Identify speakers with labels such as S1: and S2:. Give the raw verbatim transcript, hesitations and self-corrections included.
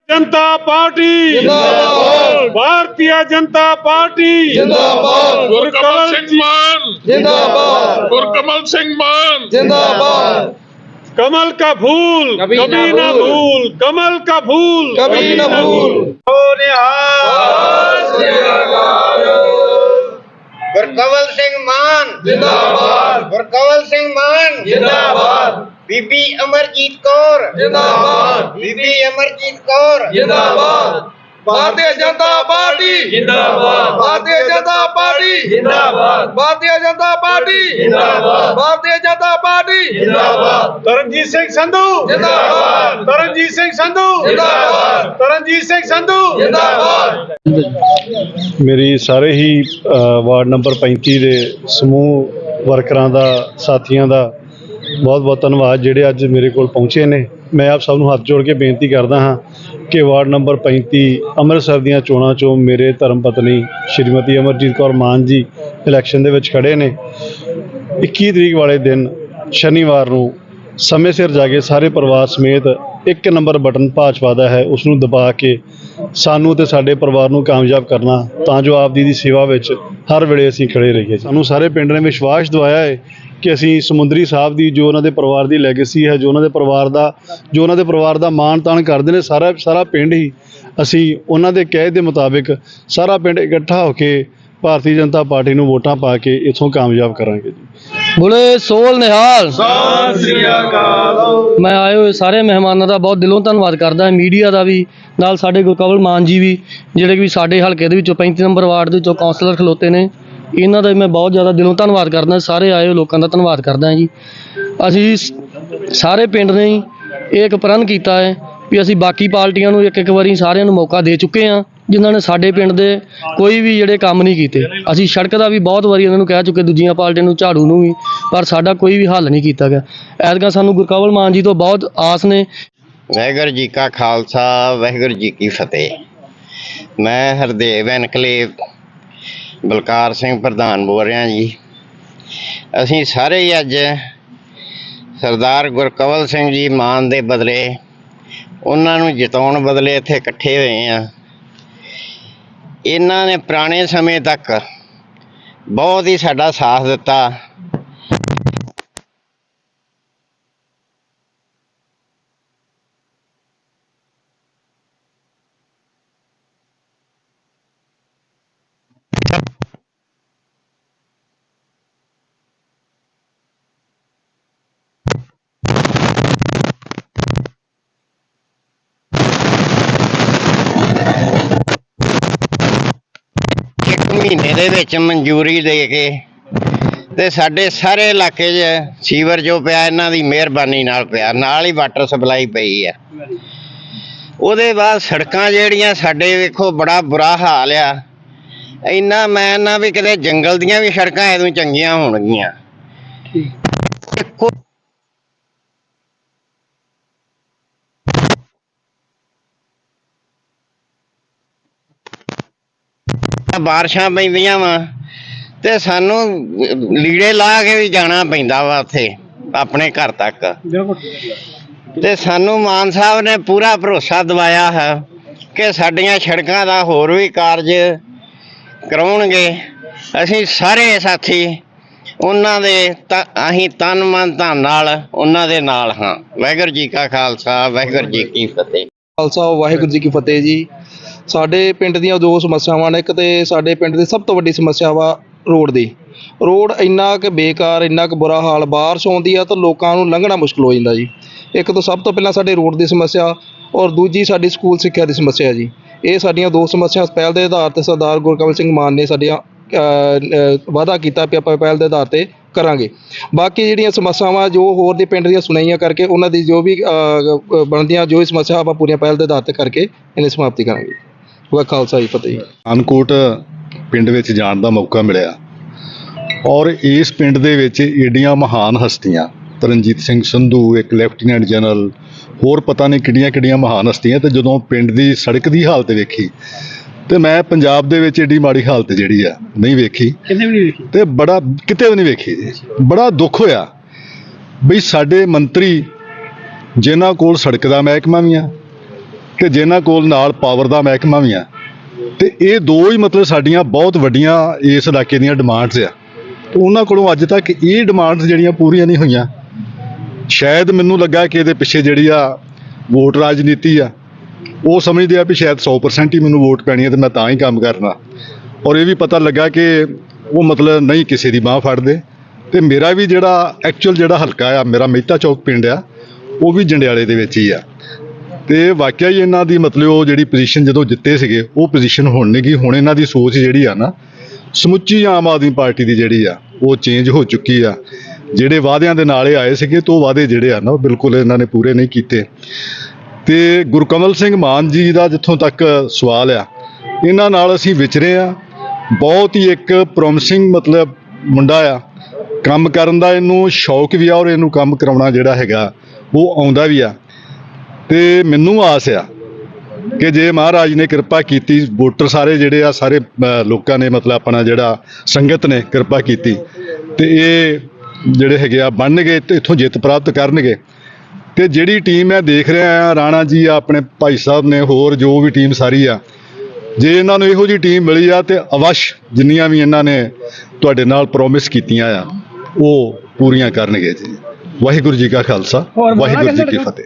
S1: जनता पार्टी
S2: जिंदाबाद,
S1: भारतीय जनता पार्टी
S2: जिंदाबाद,
S1: गुरकमल सिंह मान
S2: जिंदाबाद,
S1: गुरकमल सिंह मान
S2: जिंदाबाद,
S1: कमल का फूल
S2: कभी
S1: कभी
S2: ना
S1: ना
S2: भूल,
S1: भूल कमल का फूल
S2: कभी ना भूल।
S3: गुरकमल सिंह मान
S2: जिंदाबाद,
S3: गुरकमल सिंह मान
S2: जिंदाबाद,
S3: बीबी अमरजीत कौर
S2: जिंदाबाद,
S3: बीबी अमरजीत कौर
S2: जिंदाबाद, भारतीय जनता पार्टी जिंदाबाद, भारतीय जनता पार्टी जिंदाबाद, भारतीय जनता पार्टी जिंदाबाद, भारतीय जनता पार्टी जिंदाबाद,
S1: तरनजीत सिंह संधू
S2: जिंदाबाद,
S1: तरनजीत सिंह संधू
S2: जिंदाबाद,
S1: तरनजीत सिंह संधू
S2: जिंदाबाद।
S4: ਮੇਰੀ ਸਾਰੇ ਹੀ ਅ, ਵਾਰਡ ਨੰਬਰ ਪੈਂਤੀ ਦੇ ਸਮੂਹ ਵਰਕਰਾਂ ਦਾ ਸਾਥੀਆਂ ਦਾ ਬਹੁਤ ਬਹੁਤ ਧੰਨਵਾਦ ਜਿਹੜੇ ਅੱਜ ਮੇਰੇ ਕੋਲ ਪਹੁੰਚੇ ਨੇ। ਮੈਂ ਆਪ ਸਭ ਨੂੰ ਹੱਥ ਜੋੜ ਕੇ ਬੇਨਤੀ ਕਰਦਾ ਹਾਂ ਕਿ ਵਾਰਡ ਨੰਬਰ ਪੈਂਤੀ ਅੰਮ੍ਰਿਤਸਰ ਦੀਆਂ ਚੋਣਾਂ 'ਚੋਂ ਮੇਰੇ ਧਰਮ ਪਤਨੀ ਸ਼੍ਰੀਮਤੀ ਅਮਰਜੀਤ ਕੌਰ ਮਾਨ ਜੀ ਇਲੈਕਸ਼ਨ ਦੇ ਵਿੱਚ ਖੜ੍ਹੇ ਨੇ। ਇੱਕੀ ਤਰੀਕ ਵਾਲੇ ਦਿਨ ਸ਼ਨੀਵਾਰ ਨੂੰ ਸਮੇਂ ਸਿਰ ਜਾ ਕੇ ਸਾਰੇ ਪਰਿਵਾਰ ਸਮੇਤ ਇੱਕ ਨੰਬਰ ਬਟਨ ਭਾਜਪਾ ਦਾ ਹੈ ਉਸ ਨੂੰ ਦਬਾ ਕੇ ਸਾਨੂੰ ਤੇ ਸਾਡੇ ਪਰਿਵਾਰ ਨੂੰ ਕਾਮਯਾਬ ਕਰਨਾ ਤਾਂ ਜੋ ਆਪ ਜੀ ਦੀ ਸੇਵਾ ਵਿੱਚ ਹਰ ਵੇਲੇ ਅਸੀਂ ਖੜੇ ਰਹੀਏ। ਸਾਨੂੰ ਸਾਰੇ ਪਿੰਡ ਨੇ ਵਿਸ਼ਵਾਸ ਦਿਵਾਇਆ ਹੈ ਕਿ ਅਸੀਂ ਸਮੁੰਦਰੀ ਸਾਹਿਬ ਦੀ ਜੋ ਉਹਨਾਂ ਦੇ ਪਰਿਵਾਰ ਦੀ ਲੈਗੇਸੀ ਹੈ, ਜੋ ਉਹਨਾਂ ਦੇ ਪਰਿਵਾਰ ਦਾ ਜੋ ਉਹਨਾਂ ਦੇ ਪਰਿਵਾਰ ਦਾ ਮਾਣ ਤਾਣ ਕਰਦੇ ਨੇ, ਸਾਰਾ ਸਾਰਾ ਪਿੰਡ ਹੀ ਅਸੀਂ ਉਹਨਾਂ ਦੇ ਕਹੇ ਦੇ ਮੁਤਾਬਿਕ ਸਾਰਾ ਪਿੰਡ ਇਕੱਠਾ ਹੋ ਕੇ ਭਾਰਤੀ ਜਨਤਾ ਪਾਰਟੀ ਨੂੰ ਵੋਟਾਂ ਪਾ ਕੇ ਇੱਥੋਂ ਕਾਮਯਾਬ ਕਰਾਂਗੇ ਜੀ।
S5: ਬੋਲੇ ਸੋਲ ਨਿਹਾਲ। ਮੈਂ ਆਏ ਹੋਏ ਸਾਰੇ ਮਹਿਮਾਨਾਂ ਦਾ ਬਹੁਤ ਦਿਲੋਂ ਧੰਨਵਾਦ ਕਰਦਾ, ਮੀਡੀਆ ਦਾ ਵੀ, ਨਾਲ ਸਾਡੇ ਗੁਰਕਮਲ ਮਾਨ ਜੀ ਵੀ ਜਿਹੜੇ ਕਿ ਸਾਰੇ ਹਲਕੇ ਦੇ ਵਿੱਚੋਂ ਪੈਂਤੀ ਨੰਬਰ ਵਾਰਡ ਦੇ ਵਿੱਚੋਂ ਕੌਂਸਲਰ ਖਲੋਤੇ ਨੇ, ਇਹਨਾਂ ਦਾ ਮੈਂ ਬਹੁਤ ਜ਼ਿਆਦਾ ਦਿਲੋਂ ਧੰਨਵਾਦ ਕਰਦਾ। ਸਾਰੇ ਆਏ ਹੋਏ ਲੋਕਾਂ ਦਾ ਧੰਨਵਾਦ ਕਰਦਾ ਜੀ। ਅਸੀਂ ਸਾਰੇ ਪਿੰਡ ਨੇ ਹੀ ਇਹ ਇੱਕ ਪ੍ਰਣ ਕੀਤਾ ਹੈ ਵੀ ਅਸੀਂ ਬਾਕੀ ਪਾਰਟੀਆਂ ਨੂੰ ਇੱਕ ਇੱਕ ਵਾਰੀ ਸਾਰਿਆਂ ਨੂੰ ਮੌਕਾ ਦੇ ਚੁੱਕੇ ਹਾਂ ਜਿਨ੍ਹਾਂ ਨੇ ਸਾਡੇ ਪਿੰਡ ਦੇ ਕੋਈ ਵੀ ਜਿਹੜੇ ਕੰਮ ਨਹੀਂ ਕੀਤੇ। ਅਸੀਂ ਸੜਕ ਦਾ ਵੀ ਬਹੁਤ ਵਾਰੀ ਉਹਨਾਂ ਨੂੰ ਕਹਿ ਚੁੱਕੇ, ਦੂਜੀਆਂ ਪਾਰਟੀਆਂ ਨੂੰ, ਝਾੜੂ ਨੂੰ ਵੀ, ਪਰ ਸਾਡਾ ਕੋਈ ਵੀ ਹੱਲ ਨਹੀਂ ਕੀਤਾ ਗਿਆ। ਐਤਕਾਂ ਸਾਨੂੰ ਗੁਰਕਮਲ ਮਾਨ ਜੀ ਤੋਂ ਬਹੁਤ ਆਸ ਨੇ।
S3: ਵਾਹਿਗੁਰੂ ਜੀ ਕਾ ਖਾਲਸਾ ਵਾਹਿਗੁਰੂ ਜੀ ਕੀ ਫਤਿਹ। ਮੈਂ ਹਰਦੇਵ ਐਨਕਲੇਵ ਬਲਕਾਰ ਸਿੰਘ ਪ੍ਰਧਾਨ ਬੋਲ ਰਿਹਾ ਜੀ। ਅਸੀਂ ਸਾਰੇ ਹੀ ਅੱਜ ਸਰਦਾਰ ਗੁਰਕਮਲ ਸਿੰਘ ਜੀ ਮਾਨ ਦੇ ਬਦਲੇ, ਉਹਨਾਂ ਨੂੰ ਜਿਤਾਉਣ ਬਦਲੇ ਇੱਥੇ ਇਕੱਠੇ ਹੋਏ ਹਾਂ। ਇਹਨਾਂ ਨੇ ਪੁਰਾਣੇ ਸਮੇਂ ਤੱਕ ਬਹੁਤ ਹੀ ਸਾਡਾ ਸਾਥ ਦਿੱਤਾ। ਮਹੀਨੇ ਦੇ ਵਿੱਚ ਮਨਜ਼ੂਰੀ ਦੇ ਕੇ ਤੇ ਸਾਡੇ ਸਾਰੇ ਇਲਾਕੇ 'ਚ ਸੀਵਰ ਜੋ ਪਿਆ ਇਹਨਾਂ ਦੀ ਮਿਹਰਬਾਨੀ ਨਾਲ ਪਿਆ, ਨਾਲ ਹੀ ਵਾਟਰ ਸਪਲਾਈ ਪਈ ਆ। ਉਹਦੇ ਬਾਅਦ ਸੜਕਾਂ ਜਿਹੜੀਆਂ ਸਾਡੇ ਵੇਖੋ ਬੜਾ ਬੁਰਾ ਹਾਲ ਆ। ਇੰਨਾ ਮੈਂ ਨਾ ਵੀ ਕਿਤੇ ਜੰਗਲ ਦੀਆਂ ਵੀ ਸੜਕਾਂ ਐਦੋਂ ਚੰਗੀਆਂ ਹੋਣਗੀਆਂ। ਬਾਰਿਸ਼ਾਂ ਪੈਂਦੀਆਂ ਵਾ ਤੇ ਸਾਨੂੰ ਲੀੜੇ ਲਾ ਕੇ ਵੀ ਜਾਣਾ ਪੈਂਦਾ ਵਾ ਉੱਥੇ ਆਪਣੇ ਘਰ ਤੱਕ। ਤੇ ਸਾਨੂੰ ਮਾਨ ਸਾਹਿਬ ਨੇ ਪੂਰਾ ਭਰੋਸਾ ਦਿਵਾਇਆ ਹੈ ਕਿ ਸਾਡੀਆਂ ਸੜਕਾਂ ਦਾ ਹੋਰ ਵੀ ਕਾਰਜ ਕਰਾਉਣਗੇ। ਅਸੀਂ ਸਾਰੇ ਸਾਥੀ ਉਹਨਾਂ ਦੇ ਤ ਅਸੀਂ ਤਨ ਮਨ ਧਨ ਨਾਲ ਉਹਨਾਂ ਦੇ ਨਾਲ ਹਾਂ। ਵਾਹਿਗੁਰੂ ਜੀ ਕਾ ਖਾਲਸਾ ਵਾਹਿਗੁਰੂ ਜੀ ਕੀ ਫਤਿਹ।
S2: ਖਾਲਸਾ ਵਾਹਿਗੁਰੂ ਜੀ ਕੀ ਫਤਿਹ ਜੀ। ਸਾਡੇ ਪਿੰਡ ਦੀਆਂ ਦੋ ਸਮੱਸਿਆਵਾਂ ਨੇ। ਇੱਕ ਤੇ ਸਾਡੇ ਪਿੰਡ ਦੀ ਸਭ ਤੋਂ ਵੱਡੀ ਸਮੱਸਿਆ ਵਾ ਰੋਡ ਦੀ। ਰੋਡ ਇੰਨਾ ਕੁ ਬੇਕਾਰ, ਇੰਨਾ ਕੁ ਬੁਰਾ ਹਾਲ, ਬਾਰਿਸ਼ ਆਉਂਦੀ ਆ ਤਾਂ ਲੋਕਾਂ ਨੂੰ ਲੰਘਣਾ ਮੁਸ਼ਕਿਲ ਹੋ ਜਾਂਦਾ ਜੀ। ਇੱਕ ਤਾਂ ਸਭ ਤੋਂ ਪਹਿਲਾਂ ਸਾਡੇ ਰੋਡ ਦੀ ਸਮੱਸਿਆ, ਔਰ ਦੂਜੀ ਸਾਡੀ ਸਕੂਲ ਸਿੱਖਿਆ ਦੀ ਸਮੱਸਿਆ ਜੀ। ਇਹ ਸਾਡੀਆਂ ਦੋ ਸਮੱਸਿਆ ਪਹਿਲ ਦੇ ਆਧਾਰ 'ਤੇ ਸਰਦਾਰ ਗੁਰਕਮਲ ਸਿੰਘ ਮਾਨ ਨੇ ਸਾਡੀਆਂ ਵਾਅਦਾ ਕੀਤਾ ਵੀ ਆਪਾਂ ਪਹਿਲ ਦੇ ਆਧਾਰ 'ਤੇ ਕਰਾਂਗੇ। ਬਾਕੀ ਜਿਹੜੀਆਂ ਸਮੱਸਿਆਵਾਂ ਜੋ ਹੋਰ ਦੇ ਪਿੰਡ ਦੀਆਂ ਸੁਣਾਈਆਂ ਕਰਕੇ ਉਹਨਾਂ ਦੀ ਜੋ ਵੀ ਬਣਦੀਆਂ ਜੋ ਸਮੱਸਿਆ ਆਪਾਂ ਪੂਰੀਆਂ ਪਹਿਲ ਦੇ ਆਧਾਰ 'ਤੇ ਕਰਕੇ ਇਹਨੇ ਸਮਾਪਤੀ ਕਰਾਂਗੇ। ਵਾਹ ਖਾਲਸਾ ਜੀ ਫਤਿਹ ਜੀ।
S4: ਅਨਕੋਟ ਪਿੰਡ ਵਿੱਚ ਜਾਣ ਦਾ ਮੌਕਾ ਮਿਲਿਆ ਔਰ ਇਸ ਪਿੰਡ ਦੇ ਵਿੱਚ ਏਡੀਆਂ ਮਹਾਨ ਹਸਤੀਆਂ, ਤਰਨਜੀਤ ਸਿੰਘ ਸੰਧੂ ਇੱਕ ਲੈਫਟੀਨੈਂਟ ਜਨਰਲ, ਹੋਰ ਪਤਾ ਨਹੀਂ ਕਿਹੜੀਆਂ ਕਿਹੜੀਆਂ ਮਹਾਨ ਹਸਤੀਆਂ। ਤੇ ਜਦੋਂ ਪਿੰਡ ਦੀ ਸੜਕ ਦੀ ਹਾਲਤ ਵੇਖੀ ਤੇ ਮੈਂ ਪੰਜਾਬ ਦੇ ਵਿੱਚ ਏਡੀ ਮਾੜੀ ਹਾਲਤ ਜਿਹੜੀ ਆ ਨਹੀਂ ਵੇਖੀ, ਕਿਤੇ ਵੀ ਨਹੀਂ ਵੇਖੀ ਤੇ ਬੜਾ ਕਿਤੇ ਵੀ ਨਹੀਂ ਵੇਖੀ। ਬੜਾ ਦੁੱਖ ਹੋਇਆ ਵੀ ਸਾਡੇ ਮੰਤਰੀ ਜਿਨ੍ਹਾਂ ਕੋਲ ਸੜਕ ਦਾ ਮਹਿਕਮਾ ਵੀ ਆ, ਕਿ ਜਿਨ੍ਹਾਂ ਕੋਲ ਨਾਲ ਪਾਵਰ ਦਾ ਮਹਿਕਮਾ ਵੀ ਆ, ਤੇ ਇਹ ਦੋ ਹੀ ਮਤਲਬ ਸਾਡੀਆਂ ਬਹੁਤ ਵੱਡੀਆਂ ਇਸ ਇਲਾਕੇ ਦੀਆਂ ਡਿਮਾਂਡਸ ਆ। ਤੇ ਉਹਨਾਂ ਕੋਲੋਂ ਅੱਜ ਤੱਕ ਇਹ ਡਿਮਾਂਡਸ ਜਿਹੜੀਆਂ ਪੂਰੀਆਂ ਨਹੀਂ ਹੋਈਆਂ। ਸ਼ਾਇਦ ਮੈਨੂੰ ਲੱਗਾ ਕਿ ਇਹਦੇ ਪਿੱਛੇ ਜਿਹੜੀ ਆ ਵੋਟ ਰਾਜਨੀਤੀ ਆ, ਉਹ ਸਮਝਦੇ ਆ ਵੀ ਸ਼ਾਇਦ ਸੌ ਪਰਸੈਂਟ ਹੀ ਮੈਨੂੰ ਵੋਟ ਪੈਣੀ ਹੈ ਤੇ ਮੈਂ ਤਾਂ ਹੀ ਕੰਮ ਕਰਨਾ। ਔਰ ਇਹ ਵੀ ਪਤਾ ਲੱਗਾ ਕਿ ਉਹ ਮਤਲਬ ਨਹੀਂ ਕਿਸੇ ਦੀ ਬਾਂਹ ਫੜਦੇ। ਤੇ ਮੇਰਾ ਵੀ ਜਿਹੜਾ ਐਕਚੁਅਲ ਜਿਹੜਾ ਹਲਕਾ ਆ, ਮੇਰਾ ਮਹਿਤਾ ਚੌਕ ਪਿੰਡ ਆ, ਉਹ ਵੀ ਜੰਡਿਆਲੇ ਦੇ ਵਿੱਚ ਹੀ ਆ। ਤੇ ਵਾਕਿਆ ਹੀ ਇਹਨਾਂ ਦੀ ਮਤਲਬ ਉਹ ਜਿਹੜੀ ਪੋਜੀਸ਼ਨ ਜਦੋਂ ਜਿੱਤੇ ਸੀਗੇ, ਉਹ ਪੋਜੀਸ਼ਨ ਹੁਣ ਨਹੀਂ ਗਈ। ਹੁਣ ਇਹਨਾਂ ਦੀ ਸੋਚ ਜਿਹੜੀ ਆ ਨਾ, ਸਮੁੱਚੀ ਆਮ ਆਦਮੀ ਪਾਰਟੀ ਦੀ ਜਿਹੜੀ ਆ ਉਹ ਚੇਂਜ ਹੋ ਚੁੱਕੀ ਆ। ਜਿਹੜੇ ਵਾਅਦਿਆਂ ਦੇ ਨਾਲ ਇਹ ਆਏ ਸੀਗੇ, ਤੇ ਉਹ ਵਾਅਦੇ ਜਿਹੜੇ ਆ ਨਾ ਉਹ ਬਿਲਕੁਲ ਇਹਨਾਂ ਨੇ ਪੂਰੇ ਨਹੀਂ ਕੀਤੇ। ਤੇ ਗੁਰਕਮਲ ਸਿੰਘ ਮਾਨ ਜੀ ਦਾ ਜਿੱਥੋਂ ਤੱਕ ਸਵਾਲ ਆ, ਇਹਨਾਂ ਨਾਲ ਅਸੀਂ ਵਿਚਰੇ ਆ। ਬਹੁਤ ਹੀ ਇੱਕ ਪ੍ਰੋਮਿਸਿੰਗ ਮਤਲਬ ਮੁੰਡਾ ਆ, ਕੰਮ ਕਰਨ ਦਾ ਇਹਨੂੰ ਸ਼ੌਕ ਵੀ ਆ, ਔਰ ਇਹਨੂੰ ਕੰਮ ਕਰਾਉਣਾ ਜਿਹੜਾ ਹੈਗਾ ਉਹ ਆਉਂਦਾ ਵੀ ਆ। ਤੇ ਮੈਨੂੰ ਆਸ ਆ ਕਿ ਜੇ ਮਹਾਰਾਜ ਨੇ ਕਿਰਪਾ ਕੀਤੀ, ਵੋਟਰ ਸਾਰੇ ਜਿਹੜੇ ਆ ਸਾਰੇ ਅ, ਲੋਕਾਂ ਨੇ ਮਤਲਬ ਆਪਣਾ ਜਿਹੜਾ ਸੰਗਤ ਨੇ ਕਿਰਪਾ ਕੀਤੀ, ਤੇ ਇਹ ਜਿਹੜੇ ਹੈਗੇ ਆ ਬਣਨਗੇ ਤੇ ਇੱਥੋਂ ਜਿੱਤ ਪ੍ਰਾਪਤ ਕਰਨਗੇ। ਤੇ ਜਿਹੜੀ ਟੀਮ ਮੈਂ ਦੇਖ ਰਿਹਾ ਆ, ਰਾਣਾ ਜੀ ਆ, ਆਪਣੇ ਭਾਈ ਸਾਹਿਬ ਨੇ, ਹੋਰ ਜੋ ਵੀ ਟੀਮ ਸਾਰੀ ਆ, ਜੇ ਇਹਨਾਂ ਨੂੰ ਇਹੋ ਜਿਹੀ ਟੀਮ ਮਿਲੀ ਆ ਤੇ ਅਵਸ਼ ਜਿੰਨੀਆਂ ਵੀ ਇਹਨਾਂ ਨੇ ਤੁਹਾਡੇ ਨਾਲ ਪ੍ਰੋਮਿਸ ਕੀਤੀਆਂ ਆ ਉਹ ਪੂਰੀਆਂ ਕਰਨਗੇ ਜੀ। ਵਾਹਿਗੁਰੂ ਜੀ ਕਾ ਖਾਲਸਾ, ਵਾਹਿਗੁਰੂ ਜੀ ਕੀ ਫਤਿਹ।